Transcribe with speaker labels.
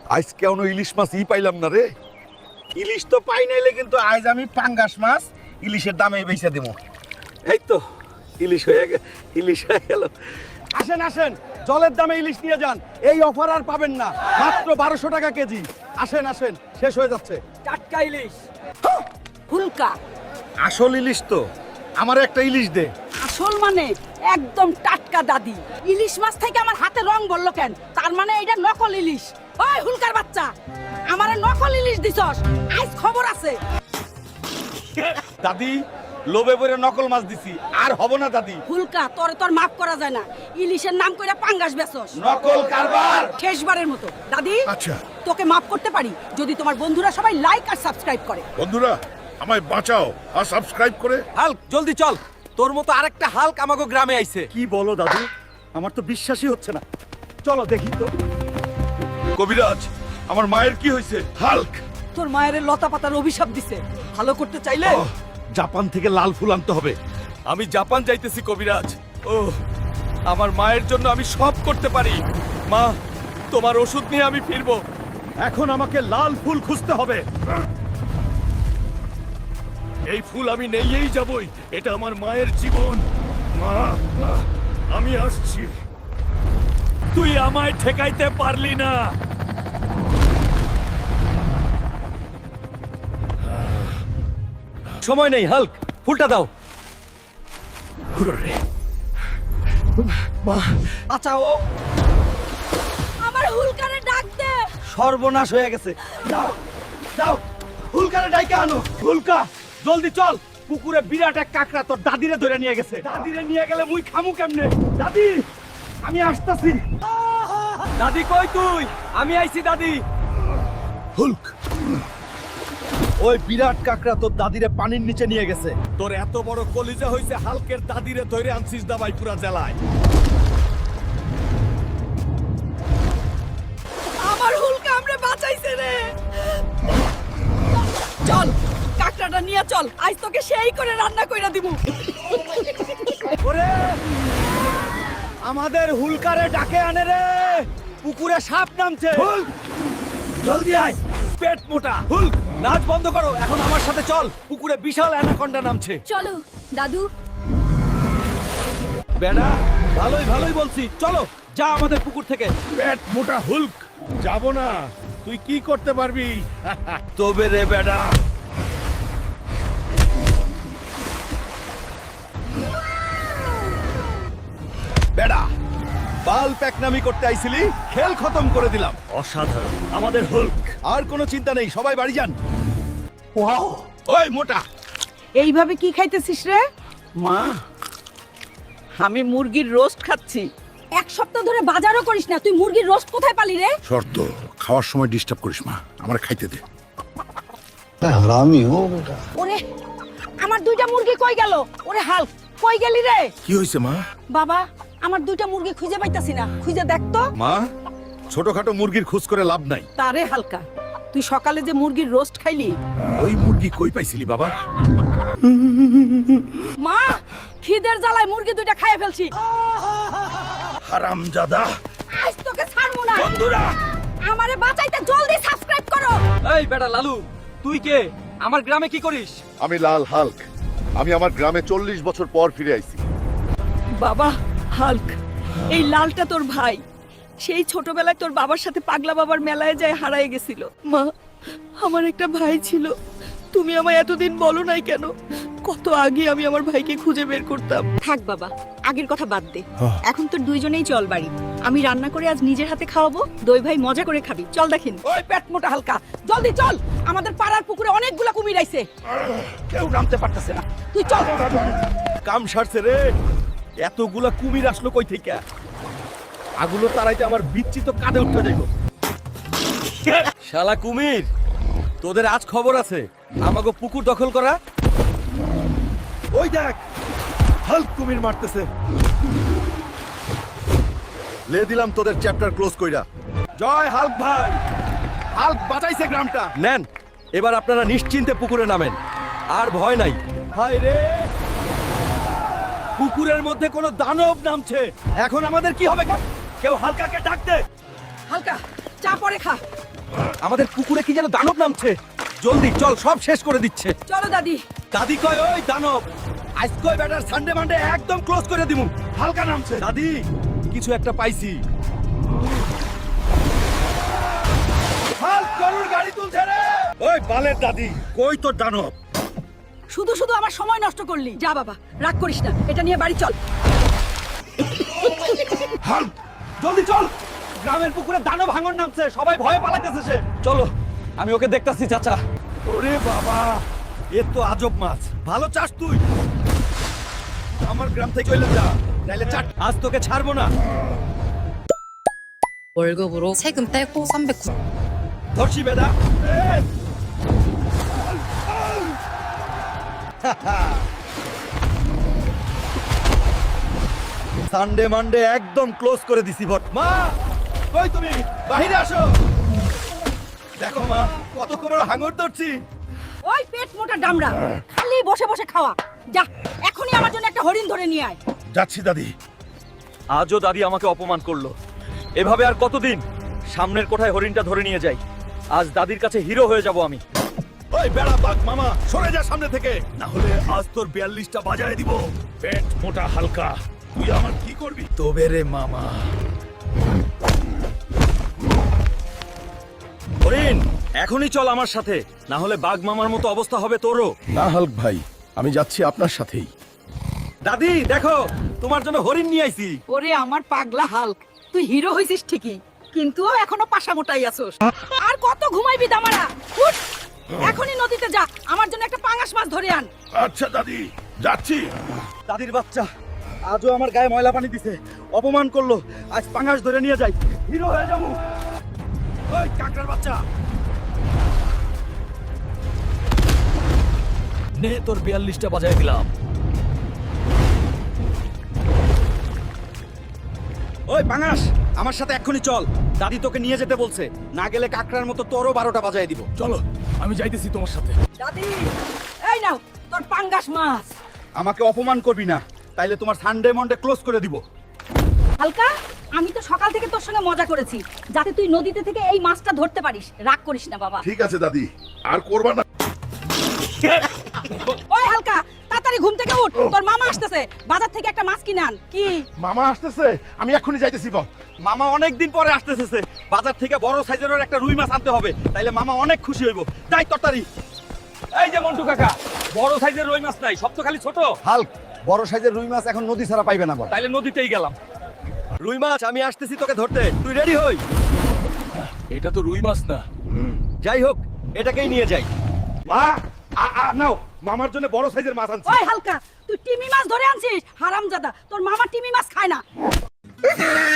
Speaker 1: আজকে কোনো ইলিশ মাছ পাইলাম না রে।
Speaker 2: ইলিশ তো পাই নাইলে কিন্তু আজ আমি পাঙ্গাস মাছ ইলিশের দামে বেচে দেবো।
Speaker 1: এই তো ইলিশ হয়ে গেল।
Speaker 2: আসেন আসেন, জলের দামে ইলিশ নিয়ে যান। এই অফার আর পাবেন না, মাত্র 1200 টাকা কেজি। আসেন আসেন, শেষ হয়ে যাচ্ছে।
Speaker 3: টাটকা ইলিশ ফুলকা।
Speaker 2: আসল ইলিশ তো, আমার একটা ইলিশ দে।
Speaker 3: আসল মানে একদম টাটকা দাদি। ইলিশ মাছ থেকে আমার হাতে রং বললো কেন? তার মানে এটা নকল ইলিশ। ওই হুলকার বাচ্চা, আমারে নকল ইলিশ দিছস, আজ খবর আছে।
Speaker 2: দাদি, লোভে পড়ে নকল মাছ দিছি, আর হব না দাদি।
Speaker 3: হুলকা, তোর মাফ করা যায় না। ইলিশের নাম কইরা পাঙ্গাস বেচস,
Speaker 2: নকল কারবার।
Speaker 3: শেষবারের মতো দাদি,
Speaker 4: আচ্ছা
Speaker 3: তোকে মাফ করতে পারি যদি তোমার বন্ধুরা সবাই লাইক আর সাবস্ক্রাইব করে।
Speaker 4: বন্ধুরা, আমায় বাঁচাও আর সাবস্ক্রাইব করে।
Speaker 1: হাল্ক জলদি চল, তোর মতো আরেকটা হাল্ক আমাগো গ্রামে আইছে।
Speaker 2: কি বলো দাদু, আমার তো বিশ্বাসই হচ্ছে না। চলো দেখি তো।
Speaker 4: কবিরাজ, আমার মায়ের কি হয়েছে? হাল্ক,
Speaker 3: তোর মায়ের লতা পাতার অভিশাপ দিছে, ভালো করতে চাইলে
Speaker 2: জাপান থেকে লাল ফুল আনতে হবে।
Speaker 1: আমি জাপান যাইতেছি কবিরাজ। ও, আমার মায়ের জন্য আমি সব করতে পারি। মা, তোমার ওষুধ নিয়ে আমি ফিরবো।
Speaker 2: এখন আমাকে লাল ফুল খুঁজতে হবে।
Speaker 4: এই ফুল আমি নেইয়েই যাবই। এটা আমার মায়ের জীবন। মা, আমি আসছি।
Speaker 1: তুই আমায় ঠেকাইতে পারলি না। সময় নেই হাল্ক, ফুলটা দাও।
Speaker 2: বাঁচাও,
Speaker 3: আমার হুলকারে ডাক দে।
Speaker 2: সর্বনাশ হয়ে গেছে। দাও দাও, হুলকারে ডাইকা আনো। হুলকা, জলদি চল। পুকুরে বিরাট এক কাকড়া তোর দাদিরে ধরে নিয়ে গেছে। দাদিরে নিয়ে গেলে মুই খামু কেমনে? দাদি, আমি আসতাছি।
Speaker 1: দাদি কই তুই? আমি আইছি দাদি।
Speaker 4: হুল্ক,
Speaker 2: ওই বিরাট কাকড়া তোর দাদিরে পানির নিচে নিয়ে গেছে।
Speaker 1: তোর এত বড় কলিজা হইছে হালকের দাদিরে ধরে আনছিস দাবাই পুরা জেলায়।
Speaker 3: আমার হুলকা আমরে বাঁচাইছে রে। চল, কাকড়াটা নিয়ে চল, আজ তোকে সেই করে রান্না কইরা দিমু।
Speaker 2: ওরে, আমাদের হুলকারে ডাকে আনে রে। পুকুরে সাপ নামছে। জলদি আয়।
Speaker 1: পেট মোটা হুল্ক, নাচ বন্ধ করো, এখন আমার সাথে চল। পুকুরে বিশাল অ্যানাকন্ডা নামছে।
Speaker 3: চলো দাদু।
Speaker 1: বেড়া, ভালোই বলছি, চলো যা আমাদের পুকুর থেকে।
Speaker 4: পেট মোটা হুল্ক, যাব না। তুই কি করতে পারবি?
Speaker 1: তবে রে বেড়া। বেড়া, বাল প্যাকনামি করতে আইছিলি, খেল খতম করে দিলাম।
Speaker 2: অসাধারণ আমাদের হুলক।
Speaker 1: আর কোনো চিন্তা নেই, সবাই বাড়ি যান।
Speaker 2: ওয়াও,
Speaker 1: ওই মোটা,
Speaker 3: এইভাবে কি খাইতেছিস রে?
Speaker 2: মা,
Speaker 3: আমি মুরগির রোস্ট খাচ্ছি। এক সপ্তাহ ধরে বাজারও করিস না, তুই মুরগির রোস্ট কোথায় পালি রে?
Speaker 4: শর্ত, খাওয়ার সময় ডিস্টার্ব করিস মা। আমার খাইতে দে।
Speaker 5: हरामी हो बेटा।
Speaker 3: ওরে, আমার দুইটা মুরগি কই গেল? ওরে হাল্ক, কই গেলি রে?
Speaker 4: কি হয়েছে মা?
Speaker 3: বাবা, আমার দুইটা মুরগি খুঁজে পাইতাছি না, খুঁজে দেখ তো।
Speaker 1: মা, ছোটখাটো মুরগির খোঁজ করে লাভ নাই।
Speaker 3: তারে হালকা, তুই সকালে যে মুরগির রোস্ট খাইলি,
Speaker 1: ওই মুরগি কই পাইছিলি বাবা?
Speaker 3: মা, খিদের জ্বালায় মুরগি দুইটা খাইয়ে ফেলছি।
Speaker 4: হারামজাদা।
Speaker 3: আজ তোকে ছাড়বো না।
Speaker 1: বন্ধুরা,
Speaker 3: আমারে বাঁচাইতে জলদি সাবস্ক্রাইব করো।
Speaker 1: এই বেটা লালু, তুই কে? আমার গ্রামে কি করিস?
Speaker 6: আমি লাল হাল্ক। আমি আমার গ্রামে 40 বছর পর ফিরে আইছি।
Speaker 3: বাবা হাল্ক, এই লালটা তোর ভাই। সেই ছোটবেলায় তোর বাবার সাথে পাগলা বাবার মেলায় যায় হারায় গেছিল। মা, আমার একটা ভাই ছিল, তুমি আমায় এতদিন বলো নাই কেন? কত আগে আমি আমার ভাইকে খুঁজে বের করতাম। থাক বাবা, আগের কথা বাদ দে। এখন তোর দুইজনেই চল বাড়ি। আমি রান্না করে আজ নিজের হাতে খাওয়াবো। দই ভাই মজা করে খাবি, চল দেখিন। ওই পেট মোটা হালকা, জলদি চল। আমাদের পাড়ার পুকুরে অনেকগুলা কুমির আইছে,
Speaker 2: কেউ নামতে পারতেছে না।
Speaker 3: তুই চল।
Speaker 2: কাম সারছে রে। এতগুলা কুমির আসলো কই থেকে? আগুলো তারাইতে আমার বিচ্ছি তো কাঁধে উঠতে যাইব।
Speaker 1: শালা কুমির, তোদের আজ খবর আছে। আমাগো পুকুর দখল করা।
Speaker 2: ওই দেখ, হাল্ক কুমির মারতেছে।
Speaker 1: লে দিলাম তোদের চ্যাপ্টার ক্লোজ কইরা।
Speaker 2: জয় হাল্ক ভাই, হাল্ক বাঁচাইছে গ্রামটা।
Speaker 1: নেন, এবার আপনারা নিশ্চিন্তে পুকুরে নামেন, আর ভয় নাই।
Speaker 2: হায় রে, পুকুরের মধ্যে কোনো দানব নামছে। এখন আমাদের কি হবে? কেউ হালকাকে ডাক দে।
Speaker 3: হালকা, চা পরে খা।
Speaker 2: আমাদের পুকুরে কি যেন দানব নামছে, জলদি চল, সব শেষ করে দিচ্ছে।
Speaker 3: চলো দাদি।
Speaker 2: দাদি কয় ওই দানব আজ কই ব্যাটার সানডে মানডে একদম ক্লোজ করে দিমু। হালকা নামছে দাদি, কিছু একটা পাইছি। হাল গরুর গাড়ি তুলছে রে। ওই বালের দাদি, কই তোর দানব?
Speaker 3: শুধু শুধু আমার সময় নষ্ট করলি। যা বাবা, রাগ করিস না, এটা নিয়ে বাড়ি চল।
Speaker 2: হাল জলদি চল, গ্রামের পুকুরে দানব ভাঙন নামছে, সবাই ভয়ে পালাইতেছে। সে চলো, আমি ওকে দেখতাছি। চাচা, ওরে বাবা, এ তো আজব মাছ। ভালো চাস তুই, আমার গ্রাম থেকে হইলে যা, নাইলে চাট। আজ তোকে ছাড়বো না।
Speaker 7: 월급으로 세금 떼고 390.
Speaker 2: ধরছি বেদা। সানডে মানডে একদম ক্লোজ করে দিছি। ভট মা, কই তুমি? বাহিরে আসো। দেখো মা, কত বড় হাঙর ধরছি।
Speaker 3: ওই পেট মোটা ডামরা, খালি বসে বসে খাওয়া। যা, এখনই আমার জন্য একটা হরিণ ধরে নিয়ে আয়।
Speaker 2: যাচ্ছি দাদি। আজও দাদি আমাকে অপমান করলো। এভাবে আর কতদিন? সামনের কোঠায় হরিণটা ধরে নিয়ে যাই। আজ দাদির কাছে হিরো হয়ে যাব আমি।
Speaker 4: ওই বেড়া বাঘ মামা, সরে যা সামনে থেকে, না হলে আজ তোর 42টা বাজায় দিব। পেট মোটা হালকা, তুই আমার কি করবি?
Speaker 2: তবে রে মামা। হরিণ, এখনই চল আমার সাথে, না হলে বাঘ মামার মতো অবস্থা হবে তোরও।
Speaker 4: না হাল্ক ভাই, আমি যাচ্ছি আপনার সাথেই।
Speaker 2: দাদি দেখো, তোমার জন্য হরিণ নিয়ে আইছি।
Speaker 3: ওরে আমার পাগলা হাল্ক, তুই হিরো হইছিস ঠিকই, কিন্তু এখনো পাশা মোটাই আছোস। আর কত ঘুমাইবি দামারা? উঠ, এখনই নদীতে যা, আমার জন্য একটা পাঙ্গাস মাছ ধরে আন।
Speaker 4: আচ্ছা দাদি, যাচ্ছি।
Speaker 2: দাদির বাচ্চা আজও আমার গায়ে ময়লা পানি দিছে, অপমান করলো। আজ পাঙ্গাস ধরে নিয়ে যাই, হিরো হয়ে যাবো। ওই কাকড়ার বাচ্চা,
Speaker 1: নে তোর 42টা বাজায় দিলাম।
Speaker 2: ওই পাঙ্গাস, আমার সাথে এক্ষুনি চল। দাদি তোকে নিয়ে যেতে বলছে, না গেলে কাকড়ার মতো তোরও 12টা বাজায় দিব।
Speaker 4: চলো, আমি যাইতেছি তোমার সাথে।
Speaker 3: দাদি, এই নাও তোর পাঙ্গাস মাছ।
Speaker 2: আমাকে অপমান করবি না, তাইলে তোমার সানডে মন্ডে ক্লোজ করে দিব।
Speaker 3: হালকা, আমি তো সকাল থেকে তোর সঙ্গে মজা করেছি, যাতে তুই নদীতে থেকে এই মাছটা ধরতে পারিস। রাগ করিস না বাবা।
Speaker 6: ঠিক আছে দাদি, আর করবা না।
Speaker 3: ওই হালকা, তাড়াতাড়ি ঘুম থেকে উঠ, তোর মামা আসতেছে, বাজার থেকে একটা মাছ কিনে আন। কি?
Speaker 6: মামা আসতেছে, আমি এক্ষুনি যাইতেছি। বল।
Speaker 2: মামা অনেক দিন পরে আসতেছে, বাজার থেকে বড় সাইজের একটা রুই মাছ আনতে হবে, তাইলে মামা অনেক খুশি হইব। যাই তরতারি।
Speaker 1: এই যে মন্টু কাকা, বড় সাইজের রুই মাছ নাই, সব তো খালি ছোট।
Speaker 5: হাল্ক, বড় সাইজের রুই মাছ এখন নদী ছাড়া পাইবে না বল।
Speaker 1: তাইলে নদীতেই গেলাম।
Speaker 2: রুই মাছ আমি আসতেছি তোকে ধরতে, তুই রেডি হই।
Speaker 1: এটা তো রুই মাছ না।
Speaker 2: যাই হোক, এটাকেই নিয়ে যাই। মা, নাও, মামার জন্য বড় সাইজের মাছ আনছি।
Speaker 3: ওই হালকা, তুই টিমি মাছ ধরে আনছিস? হারামজাদা, তোর মামা টিমি মাছ খায় না।